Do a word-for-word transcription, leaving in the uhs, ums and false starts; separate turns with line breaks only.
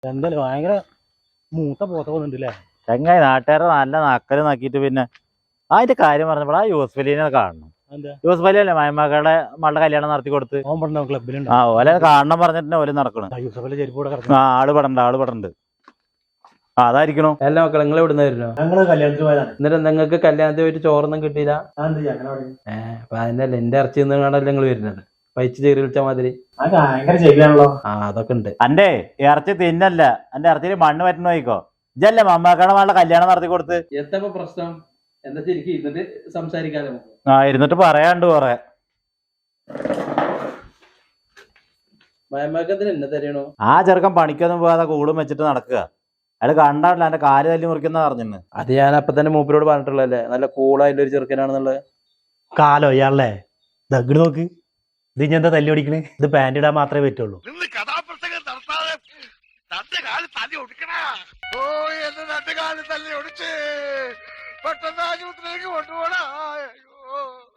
എന്തായാലും ഭയങ്കര മൂത്ത പോത്ത പോകുന്നുണ്ടല്ലേ
ചങ്ങായി നാട്ടുകാരെ നല്ല നക്കല് നോക്കിയിട്ട് പിന്നെ അതിന്റെ കാര്യം പറഞ്ഞപ്പോൾ ആ യൂസ്ഫലിനെ കാണണം. യൂസ്ഫലി അല്ലേ മയമ്മകളുടെ മകളുടെ കല്യാണം നടത്തി കൊടുത്ത് ആ ഓലെ കാണണം പറഞ്ഞിട്ട് ഓല് നടക്കണം. ആ ആള് പടണ്ട് ആള് പടണ്ട് ആ അതായിരിക്കണോ.
എല്ലാ മക്കളെ നിങ്ങൾ എവിടെ നിന്ന് വരുന്നോ?
ഞങ്ങള് കല്യാണത്തിന് പോയതാണ്.
എന്നിട്ട് നിങ്ങൾക്ക് കല്യാണത്തിന് പോയിട്ട് ചോറൊന്നും കിട്ടിയില്ല? ഏഹ് അപ്പൊ അതിനല്ല എന്റെ ഇറച്ചി നിന്നാണല്ലോ നിങ്ങൾ വരുന്നത്. പൈച്ച് ചേരി വിളിച്ച മാതിരി ആ അതൊക്കെ ഉണ്ട്.
അന്റെ ഇറച്ചി തിന്നല്ല, എന്റെ ഇറച്ചിയിൽ മണ്ണ് പറ്റുന്ന നോയിക്കോ. ഇജല്ലേ മമ്മക്കടെ മകളുടെ കല്യാണം നടത്തി കൊടുത്ത്.
എന്താ പ്രശ്നം? എന്താ ശരിക്കും ഇരുന്നിട്ട് സംസാരിക്കാലോ?
ആ ഇരുന്നിട്ട് പറയാണ്ട് കൊറേ.
മയമ്മക്കത്തിന് എന്നെ തരണോ?
ആ ചെറുക്കൻ പണിക്കൊന്നും പോകാതെ കൂടും വെച്ചിട്ട് നടക്കുക. അയാൾ കണ്ടാട്ടില്ല എന്റെ കാല് തല്ലി മുറിക്കുന്ന പറഞ്ഞിന്ന്.
അത് ഞാൻ അപ്പൊ തന്നെ മൂപ്പരോട് പറഞ്ഞിട്ടുള്ളല്ലേ, നല്ല കൂളായിട്ടുള്ള ഒരു ചെറുക്കനാണെന്നുള്ളത്.
കാലോ ഇയാളെ ദഗ്ഡ് നോക്ക്. ഇത് ഇനി എന്താ തല്ലി ഓടിക്കണ്? ഇത് പാന്റ് ഇടാൻ മാത്രമേ പറ്റുള്ളൂ.
പെട്ടെന്ന് ആശുപത്രിയിലേക്ക് കൊണ്ടുപോടാ.